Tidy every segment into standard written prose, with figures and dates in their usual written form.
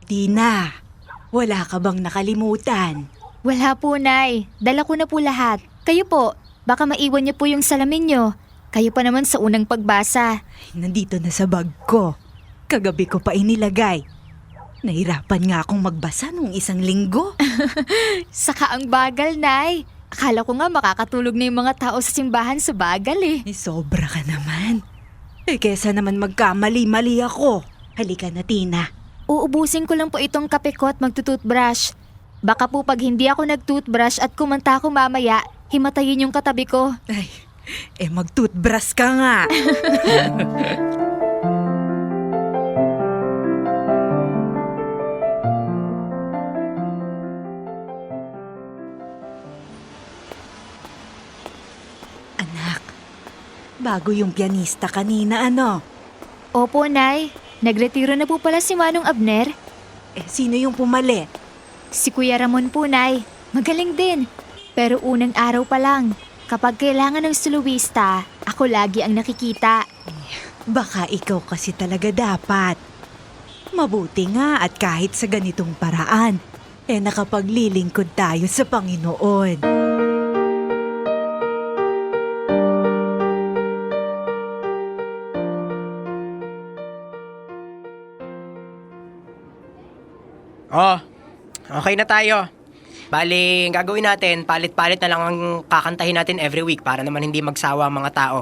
Tina, wala ka bang nakalimutan? Wala po, Nay. Dala ko na po lahat. Kayo po, baka maiwan niyo po yung salamin niyo. Kayo pa naman sa unang pagbasa. Nandito na sa bag ko. Kagabi ko pa inilagay. Nahirapan nga akong magbasa nung 1 linggo. Saka ang bagal, Nay. Akala ko nga makakatulog na yung mga tao sa simbahan sa bagal eh. Sobra ka naman. Kesa naman magkamali-mali ako. Halika na, Tina. Uubusin ko lang po itong kape ko at magtututbrush. Baka po pag hindi ako nagtutbrush at kumanta ako mamaya, himatayin yung katabi ko. Ay, mag-toothbrush ka nga. Anak, bago yung pianista kanina, ano? Opo, Nay. Nagretiro na po pala si Manong Abner. Sino yung pumalit? Si Kuya Ramon po, Nay. Magaling din. Pero unang araw pa lang. Kapag kailangan ng soloista, ako lagi ang nakikita. Baka ikaw kasi talaga dapat. Mabuti nga at kahit sa ganitong paraan, nakapaglilingkod tayo sa Panginoon. Oh, okay na tayo. Bali, ang gagawin natin, palit-palit na lang ang kakantahin natin every week para naman hindi magsawa ang mga tao.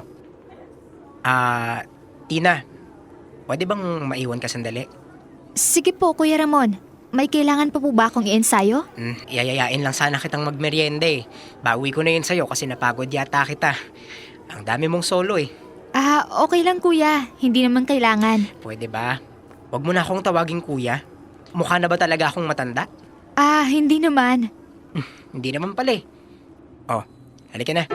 Tina, pwede bang maiwan ka sandali? Sige po, Kuya Ramon. May kailangan pa po ba akong i-ensayo? Yayayain lang sana kitang magmeryenda eh. Bawi ko na yun sa'yo kasi napagod yata kita. Ang dami mong solo eh. Okay lang, Kuya. Hindi naman kailangan. Pwede ba? Huwag mo na akong tawaging kuya. Mukha na ba talaga akong matanda? Hindi naman. Hindi naman pala eh. Oh, halika na.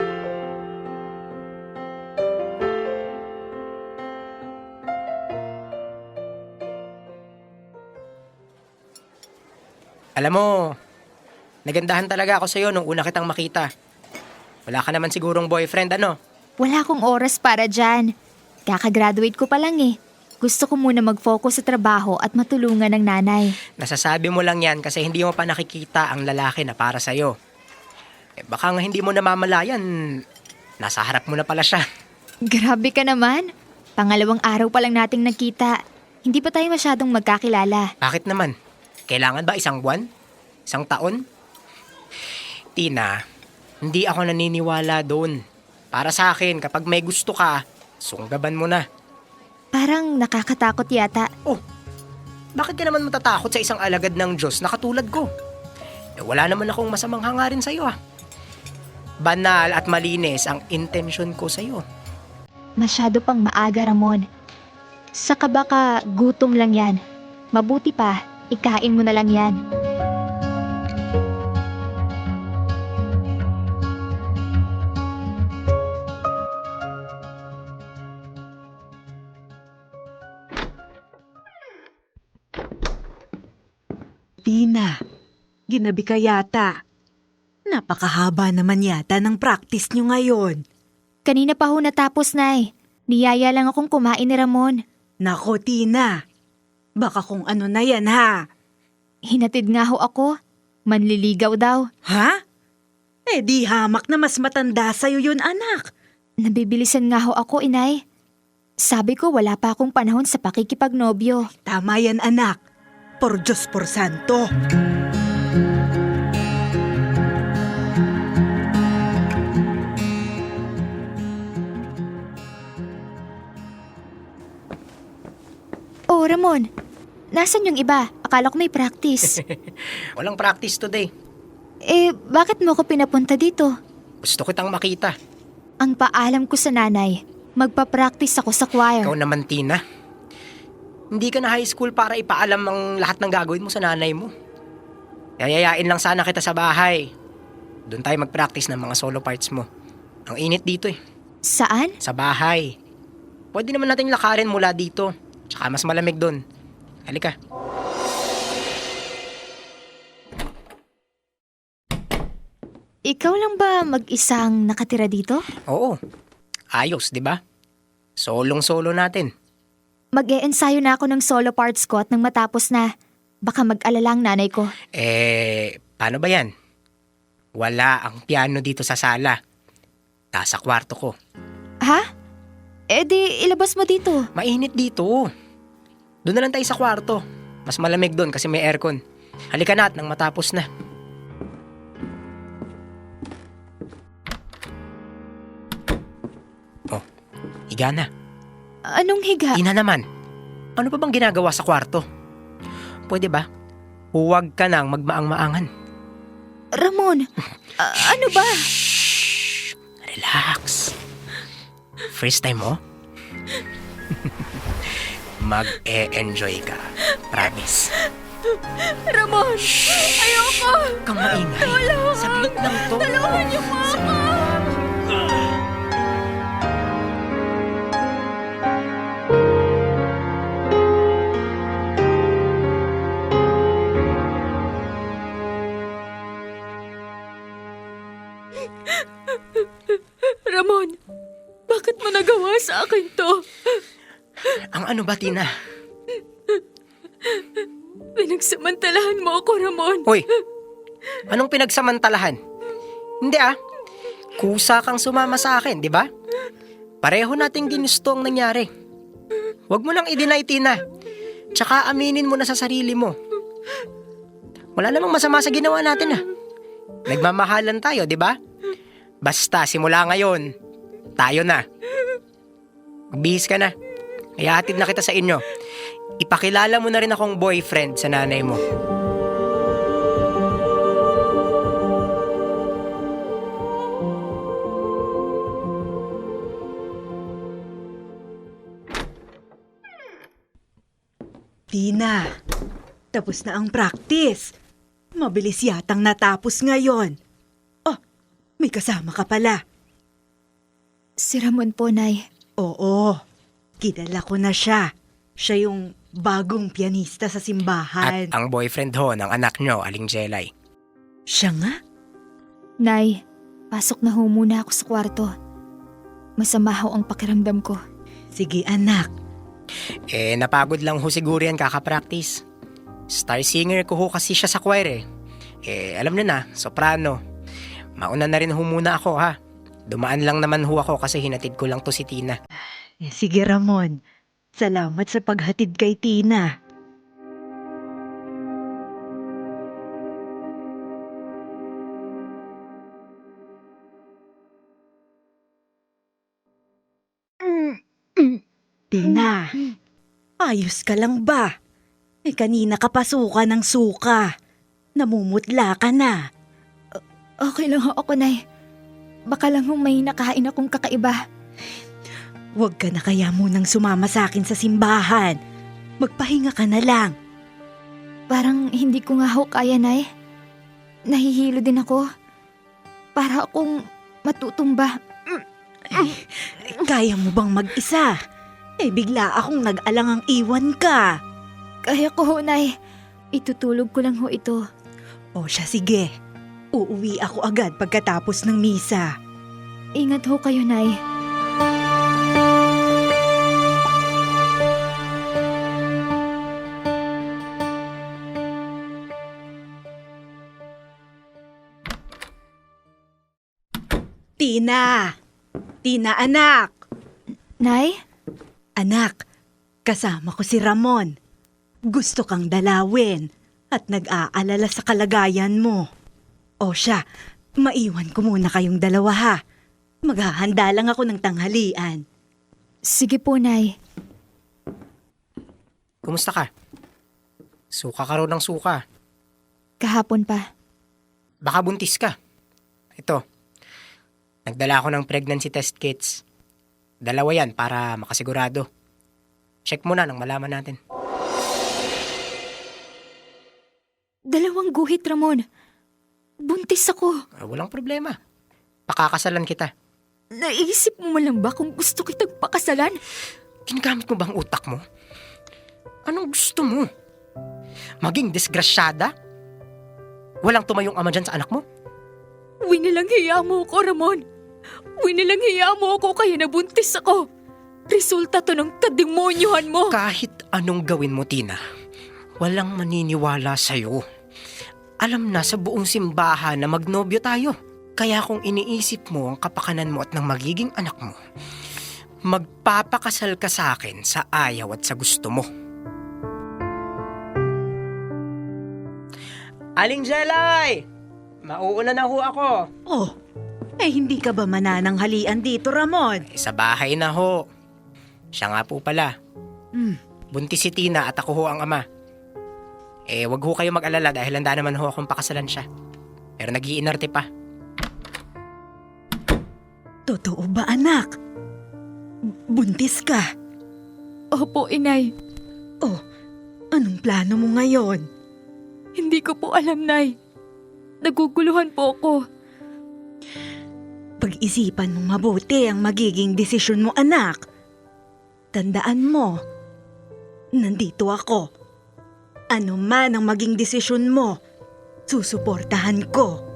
Alam mo, nagandahan talaga ako sa'yo nung una kitang makita. Wala ka naman sigurong boyfriend, ano? Wala akong oras para dyan. Kakagraduate ko pa lang eh. Gusto ko muna mag-focus sa trabaho at matulungan ng nanay. Nasasabi mo lang yan kasi hindi mo pa nakikita ang lalaki na para sa'yo. Baka nga hindi mo namamalayan, nasa harap mo na pala siya. Grabe ka naman. Pangalawang araw pa lang nating nagkita. Hindi pa tayo masyadong magkakilala. Bakit naman? Kailangan ba 1 buwan? 1 taon? Tina, hindi ako naniniwala doon. Para sa akin, kapag may gusto ka, sunggaban mo na. Parang nakakatakot yata. Oh, bakit ka naman matatakot sa isang alagad ng Diyos na katulad ko? Wala naman akong masamang hangarin sa'yo ah. Banal at malinis ang intensyon ko sa'yo. Masyado pang maaga, Ramon. Saka baka gutom lang yan. Mabuti pa, ikain mo na lang yan. Tina, ginabi ka yata. Napakahaba naman yata ng practice nyo ngayon. Kanina pa ho natapos, Nay. Niyaya lang akong kumain ni Ramon. Nako, Tina. Baka kung ano na yan, ha? Hinatid nga ho ako. Manliligaw daw. Ha? Di hamak na mas matanda sa'yo yun, anak. Nabibilisan nga ho ako, Inay. Sabi ko wala pa akong panahon sa pakikipagnobyo. Tama yan, anak. Por Diyos por Santo. Oh, Ramon. Nasaan yung iba? Akala ko may practice. Walang practice today. Bakit mo ko pinapunta dito? Gusto kitang makita. Ang paalam ko sa nanay, magpa-practice ako sa choir. Ikaw naman, Tina. Hindi ka na high school para ipaalam ang lahat ng gagawin mo sa nanay mo. Yayayain lang sana kita sa bahay. Doon tayo mag-practice ng mga solo parts mo. Ang init dito eh. Saan? Sa bahay. Pwede naman nating lakarin mula dito. Tsaka mas malamig doon. Halika. Ikaw lang ba mag-isang nakatira dito? Oo. Ayos, di ba? Solong-solo natin. Mag-e-ensayo na ako ng solo parts ko at nang matapos na. Baka mag-alala ang nanay ko. Paano ba yan? Wala ang piano dito sa sala. Nasa kwarto ko. Ha? Di ilabas mo dito. Mainit dito. Doon na lang tayo sa kwarto. Mas malamig doon kasi may aircon. Halika na at nang matapos na. Oh, higa na. Anong higa? Ina naman. Ano pa bang ginagawa sa kwarto? Pwede ba? Huwag ka nang magmaang-maangan. Ramon, ano ba? Relax. First time mo? Mag-e-enjoy ka. Promise. Ramon, ayoko! Kang maingay. Saglit lang to. Tulungan niyo po ako! Ramon, bakit mo nagawa sa akin to? Ang ano ba, Tina? Pinagsamantalahan mo ako, Ramon. Hoy, anong pinagsamantalahan? Hindi kusa kang sumama sa akin, di ba? Pareho nating ginusto ang nangyari. Huwag mo nang i-deny, Tina. Tsaka aminin mo na sa sarili mo. Wala namang masama sa ginawa natin Nagmamahalan tayo, di ba? Basta simula ngayon, tayo na. Magbihis ka na. Kaya hatid na kita sa inyo. Ipakilala mo na rin akong boyfriend sa nanay mo. Tina, tapos na ang practice. Mabilis yatang natapos ngayon. Oh, may kasama ka pala. Si Ramon po, Nay. Oo, kilala ko na siya. Siya yung bagong pianista sa simbahan. At ang boyfriend ho ng anak nyo, Aling Jelay. Siya nga? Nay, pasok na ho muna ako sa kwarto. Masama ho ang pakiramdam ko. Sige anak. Napagod lang ho siguro yan kakapractice. Star singer ko ho kasi siya sa choir alam nyo na, soprano. Mauna na rin ho muna ako Dumaan lang naman ho ako kasi hinatid ko lang to si Tina. Sige Ramon, salamat sa paghatid kay Tina. Tina, ayos ka lang ba? Kanina ka pasuka ng suka. Namumutla ka na. Okay lang ho ako, Nay. Baka lang ho may nakain akong kakaiba. Huwag ka na kaya munang sumama sa akin sa simbahan. Magpahinga ka na lang. Parang hindi ko nga ho kaya, Nay. Nahihilo din ako. Para akong matutumba. Kaya mo bang mag-isa? Bigla akong nag-alangang iwan ka. Kaya ko ho, Nay. Itutulog ko lang ho ito. O siya, sige. Uuwi ako agad pagkatapos ng misa. Ingat ho kayo, Nay. Tina! Tina, anak! Nay? Anak, kasama ko si Ramon. Gusto kang dalawin at nag-aalala sa kalagayan mo. O siya, maiwan ko muna kayong dalawa Maghahanda lang ako ng tanghalian. Sige po, Nay. Kumusta ka? Suka ka raw ng suka. Kahapon pa. Baka buntis ka. Ito, nagdala ako ng pregnancy test kits. 2 yan para makasigurado. Check mo na nang malaman natin. 2 guhit, Ramon. Buntis ako. Walang problema. Pakakasalan kita. Naisip mo lang ba kung gusto kitang pakasalan? Ginagamit mo ba ang utak mo? Anong gusto mo? Maging disgrasyada? Walang tumayong ama dyan sa anak mo? Winilang hiya mo ako, Ramon. Winilang hiya mo ako kaya nabuntis ako. Resulta to ng kademonyohan mo. Kahit anong gawin mo, Tina, Walang maniniwala sa'yo. Alam na sa buong simbahan na magnobyo tayo. Kaya kung iniisip mo ang kapakanan mo at ng magiging anak mo, magpapakasal ka sa akin sa ayaw at sa gusto mo. Aling Jelay! Mauuna na ho ako. Oh, hindi ka ba manananghalian dito, Ramon? Sa bahay na ho. Siya nga po pala. Buntis si Tina at ako ho ang ama. Wag ho kayo mag-alala dahil handa naman ho akong pakasalan siya. Pero nag-iinarte pa. Totoo ba, anak? Buntis ka? Opo, inay. Oh, anong plano mo ngayon? Hindi ko po alam, Nay. Naguguluhan po ako. Pag-isipan mong mabuti ang magiging desisyon mo, anak. Tandaan mo, nandito ako. Ano man ang maging desisyon mo, susuportahan ko.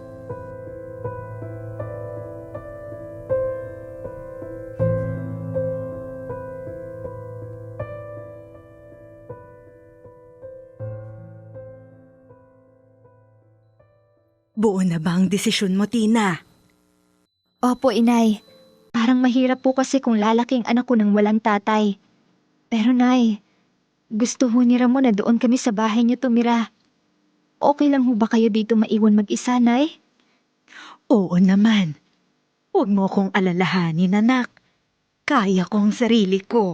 Buo na ba ang desisyon mo, Tina? Opo, inay. Parang mahirap po kasi kung lalaking anak ko ng walang tatay. Pero, Nay, gusto ho ni Ramon na doon kami sa bahay niyo tumira. Okay lang ho ba kayo dito maiwan mag-isa, Nay? Oo naman. Huwag mo kong alalahanin, anak. Kaya ko ang sarili ko.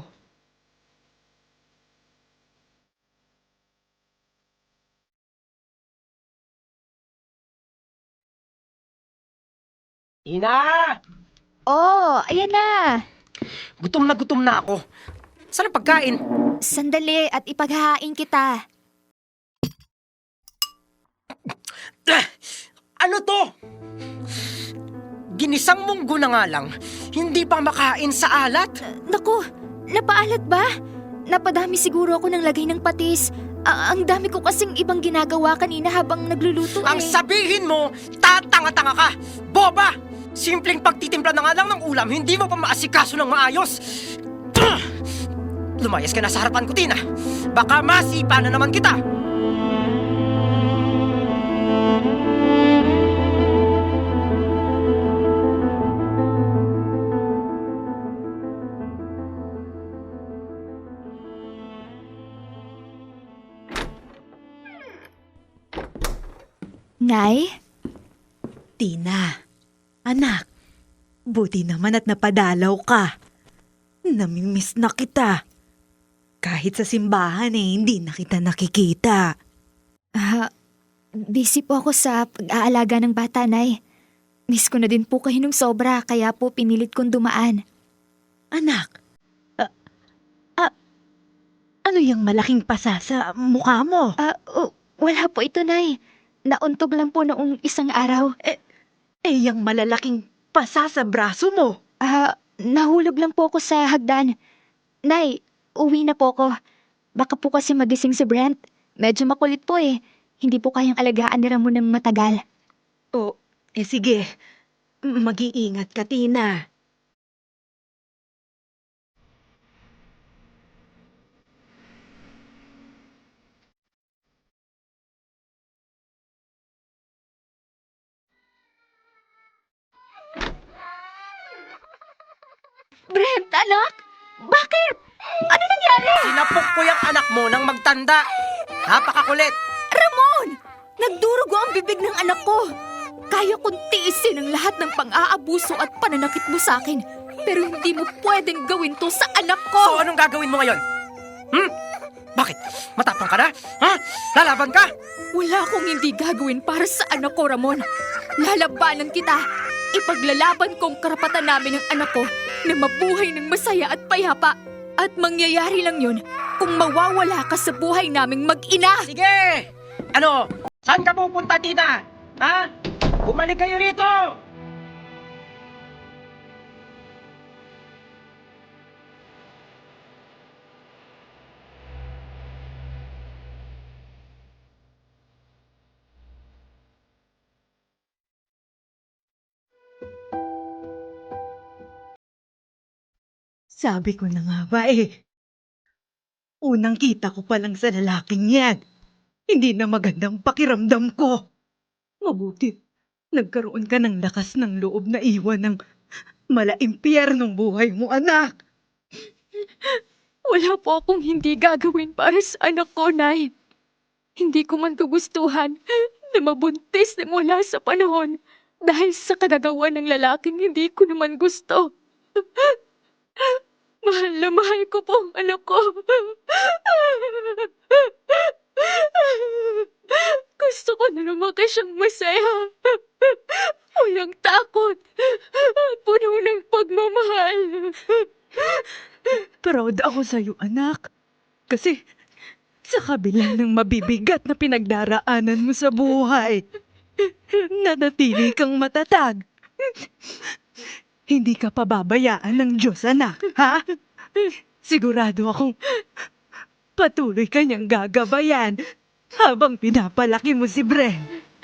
Tina! Oh, ayan na. Gutom na ako. Saan ang pagkain? Sandali at ipaghahain kita. Ano to? Ginisang munggo na nga lang, hindi pa makain sa alat? Naku, napaalat ba? Napadami siguro ako ng lagay ng patis. Ang dami ko kasing ibang ginagawa kanina habang nagluluto Ang sabihin mo, tatanga-tanga ka! Boba! Simpleng pagtitimpla na nga lang ng ulam, hindi mo pa maasikaso ng maayos! Lumayas ka na sa harapan ko, Tina! Baka masipa na naman kita! Nay? Tina, anak, buti naman at napadalaw ka. Namimiss na kita. Kahit sa simbahan hindi na kita nakikita. Busy po ako sa pag-aalaga ng bata, Nay. Miss ko na din po kayo nung sobra, kaya po pinilit kong dumaan. Anak, ano yung malaking pasa sa mukha mo? Wala po ito, Nay. Nauntog lang po noong isang araw. Yung malalaking pasa sa braso mo. Nahulog lang po ako sa hagdan. Nay, uwi na po ako. Baka po kasi magising si Brent. Medyo makulit po eh. Hindi po kayang alagaan ni Ramon ng matagal. Sige. Mag-iingat ka, Tina. Brent, anak! Bakit? Ano nangyari? Sinapok ko yung anak mo nang magtanda! Napakakulit! Ramon! Nagdurugo ang bibig ng anak ko. Kaya kong tiisin ang lahat ng pang-aabuso at pananakit mo sa akin. Pero hindi mo pwedeng gawin to sa anak ko. So anong gagawin mo ngayon? Bakit? Matapang ka na? Ha? Lalaban ka? Wala akong hindi gagawin para sa anak ko, Ramon. Lalabanan kita. Ipaglalaban kong karapatan namin ng anak ko na mabuhay ng masaya at payapa. At mangyayari lang yun kung mawawala ka sa buhay naming mag-ina. Sige! Ano? Saan ka pupunta, Tina? Ha? Bumalik kayo rito! Sabi ko na nga ba Unang kita ko pa lang sa lalaking yan. Hindi na magandang pakiramdam ko. Mabuti, nagkaroon ka ng lakas ng loob na iwan ng malaimpyernong buhay mo, anak. Wala po akong hindi gagawin para sa anak ko, Nay. Hindi ko man kagustuhan na mabuntis ng wala sa panahon dahil sa kagagawa ng lalaking hindi ko naman gusto. Mahal na mahal ko po ang anak ko. Gusto ko na lumaki siyang masaya. Walang takot. At puno ng pagmamahal. Proud ako sa'yo, anak. Kasi sa kabila ng mabibigat na pinagdaraanan mo sa buhay, nanatili kang matatag. Hindi ka pababayaan ng Diyos, anak, ha? Sigurado akong patuloy ka niyang gagabayan habang pinapalaki mo si Bren.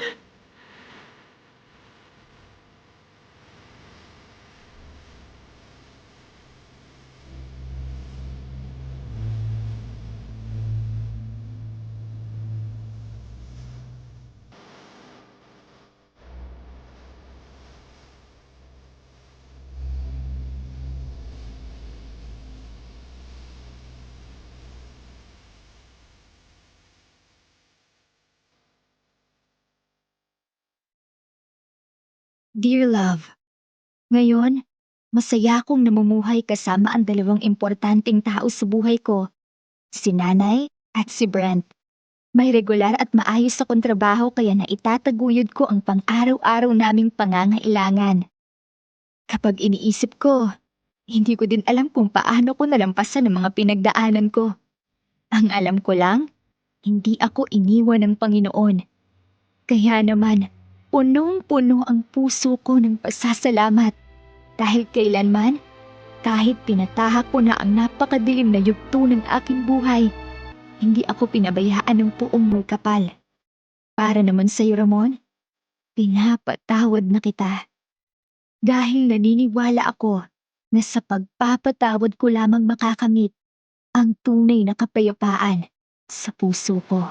Dear Love, ngayon, masaya akong namumuhay kasama ang dalawang importanteng tao sa buhay ko, si Nanay at si Brent. May regular at maayos akong trabaho kaya naitataguyod ko ang pang-araw-araw naming pangangailangan. Kapag iniisip ko, hindi ko din alam kung paano ko nalampasan ang mga pinagdaanan ko. Ang alam ko lang, hindi ako iniwan ng Panginoon. Kaya naman, punong-puno ang puso ko ng pasasalamat dahil kailanman, kahit pinatahak ko na ang napakadilim na yugto ng aking buhay, hindi ako pinabayaan ng puong may kapal. Para naman sa iyo, Ramon, pinapatawad na kita. Dahil naniniwala ako na sa pagpapatawad ko lamang makakamit ang tunay na kapayapaan sa puso ko.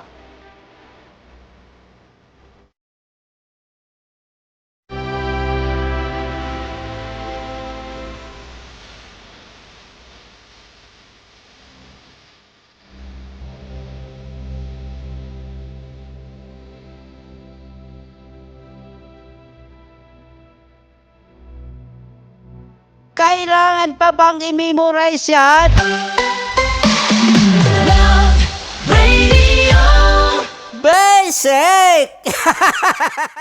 Kailangan pa bang i-memorize yan? Basic!